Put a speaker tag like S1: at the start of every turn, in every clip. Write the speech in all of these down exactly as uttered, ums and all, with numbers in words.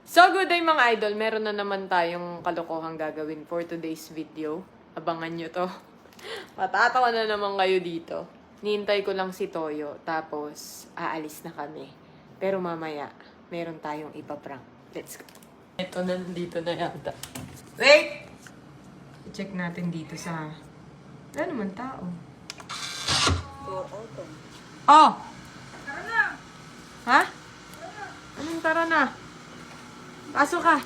S1: So, good day mga idol. Meron na naman tayong kalokohang gagawin for today's video. Abangan nyo to. Matatawa na naman kayo dito. Nihintay ko lang si Toyo, tapos aalis na kami. Pero mamaya, meron tayong ipaprank. Let's go. Ito na, nandito na yata. Wait! I-check natin dito sa... Wala naman tao. Oh! Tara na! Ha? Anong tara na? Pasok ka.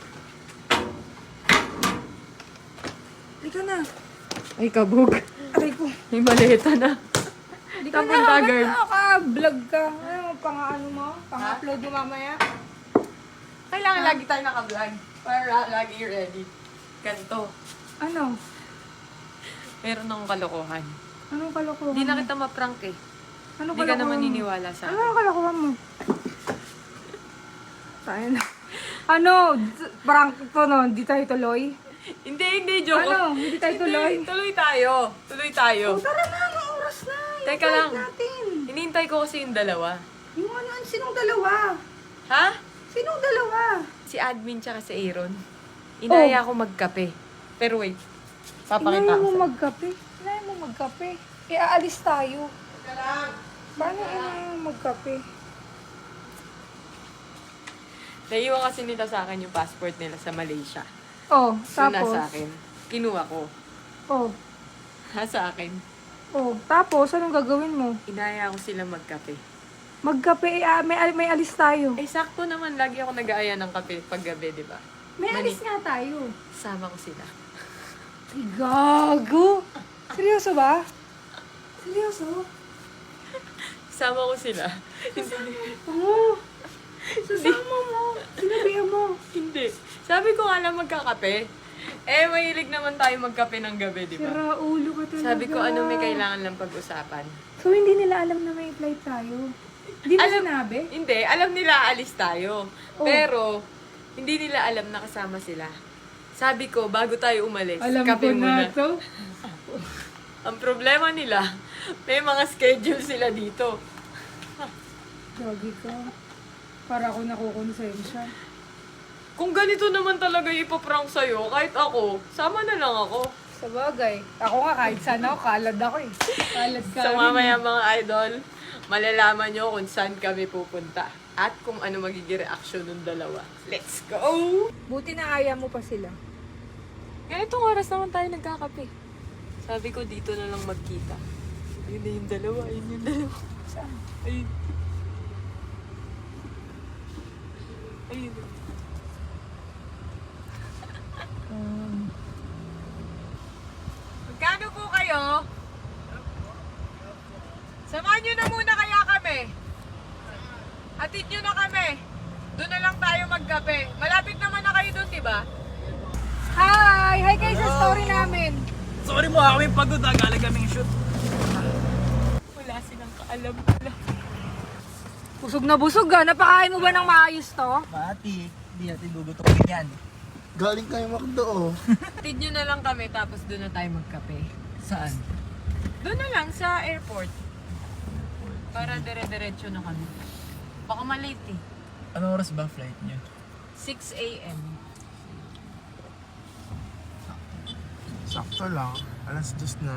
S1: Halika na. Ay, kabog.
S2: Aray ko.
S1: May maleta na.
S2: Hindi ka
S1: Tapon
S2: na,
S1: ka,
S2: ba't
S1: girl.
S2: naka-vlog ka? Ano, pang-ano mo? Pang-upload mo mamaya?
S1: Kailangan lagi tayo naka-vlog. Para lagi ready. Ganto.
S2: Ano?
S1: Meron akong kalokohan.
S2: Anong kalokohan
S1: Hindi na
S2: mo?
S1: kita ma-prank eh.
S2: Anong
S1: Hindi ka
S2: kalokohan
S1: naman
S2: mo?
S1: niniwala sa
S2: Ano
S1: akin.
S2: ang kalokohan mo? Tayo na. Ano? D- Prank to no? Hindi tayo tuloy?
S1: Hindi, hindi, joke.
S2: Ano? Hindi tayo tuloy?
S1: Hindi, tuloy tayo. Tuloy tayo.
S2: Oh, tara na, anong oras na? Yung
S1: Teka
S2: flight
S1: lang.
S2: natin.
S1: Hinihintay ko kasi yung dalawa.
S2: Yung ano, sinong dalawa?
S1: Ha?
S2: Sinong dalawa?
S1: Si admin tsaka si Aaron. Inaya
S2: Oh.
S1: ko magkape. Pero wait. Papakita
S2: Inaya
S1: ko
S2: mo
S1: sa'yo.
S2: magkape? Inaya mo magkape? E, aalis tayo.
S1: Teka lang.
S2: Paano inaya mo magkape?
S1: Naiwan kasi nila sa akin yung passport nila sa Malaysia.
S2: Oh,
S1: So,
S2: tapos?
S1: nasa akin. Kinuha ko.
S2: Oh,
S1: Nasa akin.
S2: oh. Tapos, anong gagawin mo?
S1: Inaya ko sila magkape.
S2: Magkape, eh, ah, may, may alis tayo.
S1: Eh, sakto naman. Lagi ako nag-aaya ng kape paggabi, di ba?
S2: May
S1: Mani-
S2: alis nga tayo.
S1: Sama ko sila.
S2: Ay, gago! Seryoso ba? Seryoso?
S1: Sama ko sila.
S2: Oo. Sasama mo. Sinabihan mo.
S1: Hindi. Sabi ko nga lang magkakape. Eh, mahilig naman tayo magkape ng gabi, di ba?
S2: Sira ulo ka talaga.
S1: Sabi ko, ano may kailangan lang pag-usapan.
S2: So, hindi nila alam na may flight tayo? Hindi mo
S1: Alam-
S2: sinabi?
S1: Hindi, alam nila alis tayo.
S2: Oh.
S1: Pero, hindi nila alam na kasama sila. Sabi ko, bago tayo umalis,
S2: Alam
S1: kape
S2: ko
S1: muna.
S2: na to.
S1: Ang problema nila, may mga schedule sila dito.
S2: Gagi ka. Para ako nakukonsensya.
S1: Kung ganito naman talaga yung ipaprank sa'yo, kahit ako, sama na lang ako.
S2: Sa bagay. Ako nga kahit saan ako, kalad ako eh. Kalad ka
S1: So
S2: rin.
S1: mamaya mga idol, malalaman nyo kung saan kami pupunta. At kung ano magiging reaction ng dalawa. Let's go!
S2: Buti na aya mo pa sila.
S1: Ganitong oras naman tayo nagkakape. Sabi ko, dito na lang magkita. Ayun na yung dalawa, ayun yung dalawa.
S2: Saan?
S1: Ayun. Ayun.
S2: Um,
S1: Magkano po kayo? Samahan nyo na muna kaya kami. Atid nyo na kami. Doon na lang tayo magkape. Malapit naman na kayo doon, di ba?
S2: Hi! Hi kayo sa story namin.
S3: Sorry mo, kami pagod ha. Galing kaming shoot.
S1: Wala silang kaalam pala.
S2: Busog na busog ah. Napakain mo ba ng maayos to?
S3: Mati, hindi natin gugutokin yan.
S4: Galing kayo Macdo, oh.
S1: Atid nyo na lang kami, tapos doon na tayo magkape.
S3: Saan?
S1: Doon na lang, sa airport. Para dire-diretso na kami. Baka malate eh.
S3: Anong oras ba flight niyo?
S1: six a.m.
S4: Sakto lang. Alas dos na.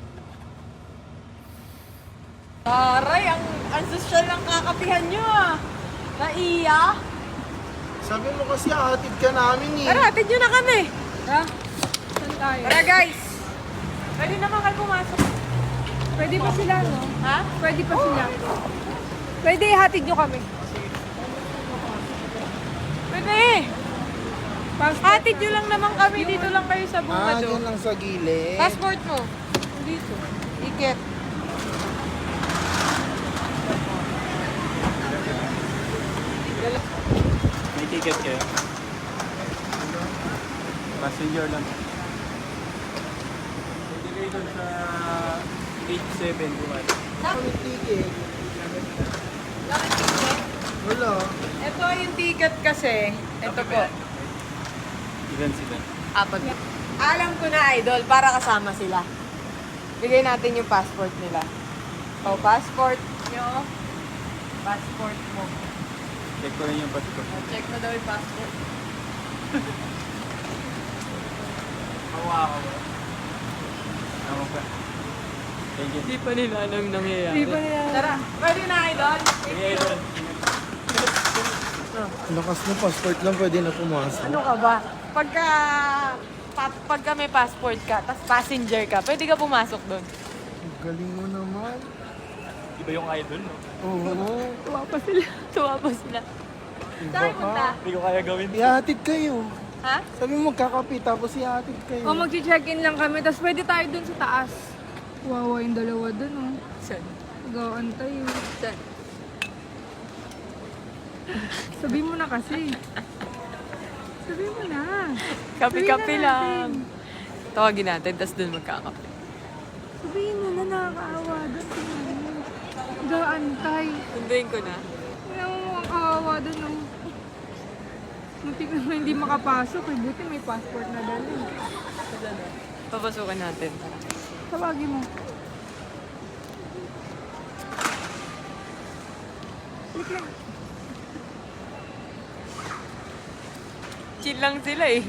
S1: Taray, ang, ang social ng kakapihan nyo ah. Naiya.
S4: Sabi mo kasi hatid ka namin eh.
S1: Tara, atid nyo na kami.
S2: Ha? Saan tayo?
S1: Tara guys. Pwede naman kayo pumasok.
S2: Pwede pa sila, no?
S1: Ha?
S2: Pwede pa sila. Pwede ihatid nyo kami.
S1: Pwede.
S2: Passport
S1: Hatid nyo lang naman kami. Dito lang kayo sa
S4: Ah,
S1: bungado.
S4: dyan lang sa gilid.
S1: Passport mo.
S2: dito.
S1: Ticket.
S3: May ticket kayo? Passenger lang. Delay doon sa eight seven buwan.
S4: Kami ticket.
S1: Bakit ticket?
S4: Wala.
S1: Ito yung ticket kasi. Ito po.
S3: Ilan sila?
S1: Apat. Alam ko na, idol, para kasama sila. Bigay natin yung passport nila. O, passport nyo. Passport mo.
S3: Check ko rin yung passport.
S1: Check mo daw yung passport.
S3: Hawa ako ba? Tama ba? Thank you.
S1: Hindi pa nila alam nangyayari.
S2: Hindi pa nila.
S1: Tara, pwede na kayo doon.
S3: Sige, Idol.
S4: Lakas ng passport lang, pwede na pumasok.
S1: Ano ka ba? Pagka, pa, pagka may passport ka, tapos passenger ka, pwede ka pumasok doon.
S4: Ang galing mo naman.
S3: Iba yung idol, no?
S4: Oo.
S1: Tuwa pa sila. Tuwa pa sila.
S4: Iba
S1: Saan punta?
S4: ka.
S3: Hindi ko kaya gawin.
S4: Ihatid kayo.
S1: Ha?
S4: Sabi mo magkakapi, tapos ihatid kayo.
S2: O mag-check-in lang kami, tapos pwede tayo dun sa taas. Wawa yung dalawa dun, oh.
S1: Saan?
S2: Nag-aantay, oh.
S1: Saan?
S2: Sabi mo na kasi. Sabi mo na.
S1: Kapi-kapi
S2: Sabihin na
S1: lang.
S2: natin.
S1: Tawagin natin, tapos doon magkakape.
S2: Sabihin mo na, nakakaawa dun. Tingnan mo. Nag-aantay.
S1: Sunduin ko na.
S2: Tingnan mo ang kawawa dun, oh. Muntik na hindi makapasok, eh. Buti may passport na dali.
S1: Papasukan natin.
S2: Tawagin mo. Click lang.
S1: Chill lang sila eh.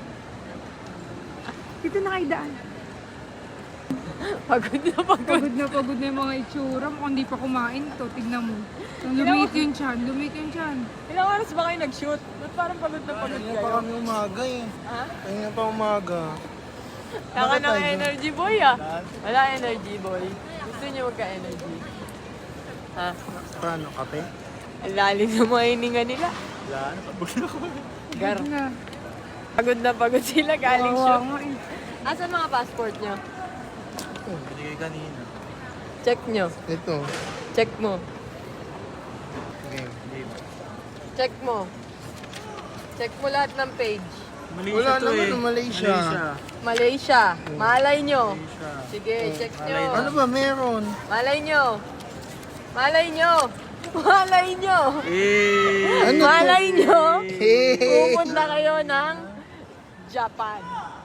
S2: Dito na kayo daan.
S1: Pagod na pagod.
S2: Pagod na pagod na yung mga itsura. Mukhang hindi pa kumain to. Tignan mo. Lumit yung tiyan. Lumit yung tiyan.
S1: Ilang oras ba kayo nag-shoot? Ba't parang pagod na pagod
S4: Kanya pa
S1: kayo?
S4: kami umaga eh.
S1: Ha?
S4: Kanya pa umaga.
S1: Taka
S4: Bakit
S1: ng
S4: tayo?
S1: energy boy ah. Wala energy boy. Gusto niyo magka-energy. Ha?
S4: Paano, kape?
S1: Ang lalim ng mga hininga nila.
S3: Wala na, pabog na ako.
S1: Gar.
S2: Na.
S1: Pagod na pagod sila galing
S2: Kawawa
S1: shoot.
S2: nga eh.
S1: Asan mga passport niyo?
S3: Binigay kanina.
S1: Check niyo.
S4: Ito.
S1: Check mo.
S4: Game.
S1: Check mo. Check mo lahat ng page.
S3: Malaysia
S4: Wala
S3: to
S4: naman
S3: eh.
S4: ng Malaysia.
S1: Malaysia. Malay nyo.
S3: Malaysia.
S1: Sige, check nyo.
S4: Ano ba meron?
S1: Malay nyo. Malay nyo. Malay nyo.
S3: Eh!
S4: Ano to?
S1: Malay nyo.
S4: Hey!
S1: Pupunta kayo ng Japan.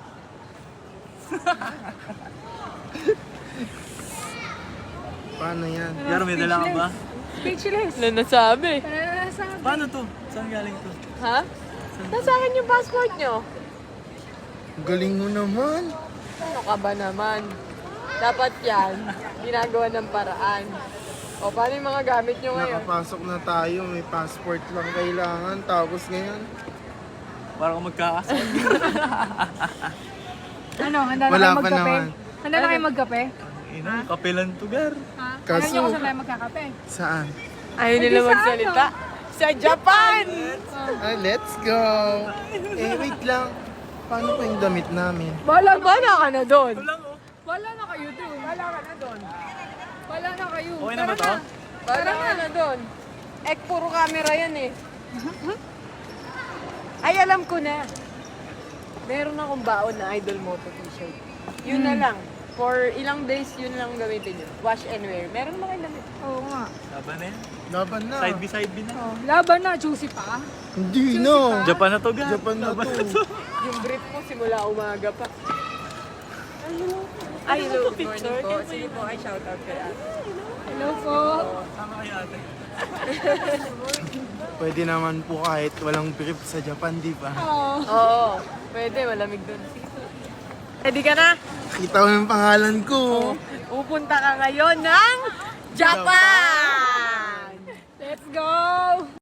S4: Paano yan?
S3: Yaro, may dala ka ba?
S2: Speechless.
S1: Ano nasabi?
S2: Ano na nasabi?
S3: Paano to? Saan galing to?
S1: Ha? Nasa akin yung passport nyo.
S4: Ang galing mo naman.
S1: Ano ka ba naman? Dapat yan, ginagawa ng paraan. O, paano yung mga gamit nyo ngayon?
S4: Nakapasok na tayo, may passport lang kailangan. Tapos ngayon,
S3: Para kung magkakasal.
S2: Ano, handa na
S4: Wala
S2: kayo
S4: pa
S2: magkape?
S4: naman.
S2: Handa na kayo magkape?
S3: Ina, kapelan to, gar.
S2: Ha?
S4: Kaso-
S2: Ayaw niyo kung saan tayo magkakape?
S4: saan?
S1: Ayaw
S2: Ay,
S1: nila
S2: di sa
S1: magsalita. Sa Japan!
S4: Ah, let's go! Eh, wait lang. Paano pa yung damit namin?
S2: Wala na.
S1: Bala ka na doon.
S3: Lang oh.
S2: Wala na kayo doon. Wala ka na doon. Wala na kayo.
S3: Okay na ba
S2: Tara
S3: to?
S1: Bala ka na doon. Eh, puro camera yan eh. Ay, alam ko na. Meron akong baon na Idol Moto t-shirt. Yun na lang. For ilang days, yun lang gamitin yun. Wash and wear. Meron ba kayo damit?
S2: Oo nga.
S3: Laban na yan.
S4: Laban na.
S3: Side by side bin na.
S2: Oh, laban na. Juicy pa.
S4: Hindi no.
S3: Japan na to, gar.
S4: Japan na
S3: Laban
S4: to.
S1: Yung brief mo simula umaga pa. Ay, hello. Good morning po. Sige po, ay shout out kay ate.
S2: Hello po.
S3: Tama kayo ate.
S4: Pwede naman po kahit walang brief sa Japan, di ba?
S2: Oh.
S1: Oo, pwede. Malamig doon. Ready ka na?
S4: Kita mo yung pangalan ko.
S1: Pupunta ka ngayon ng Japan!
S2: Let's go!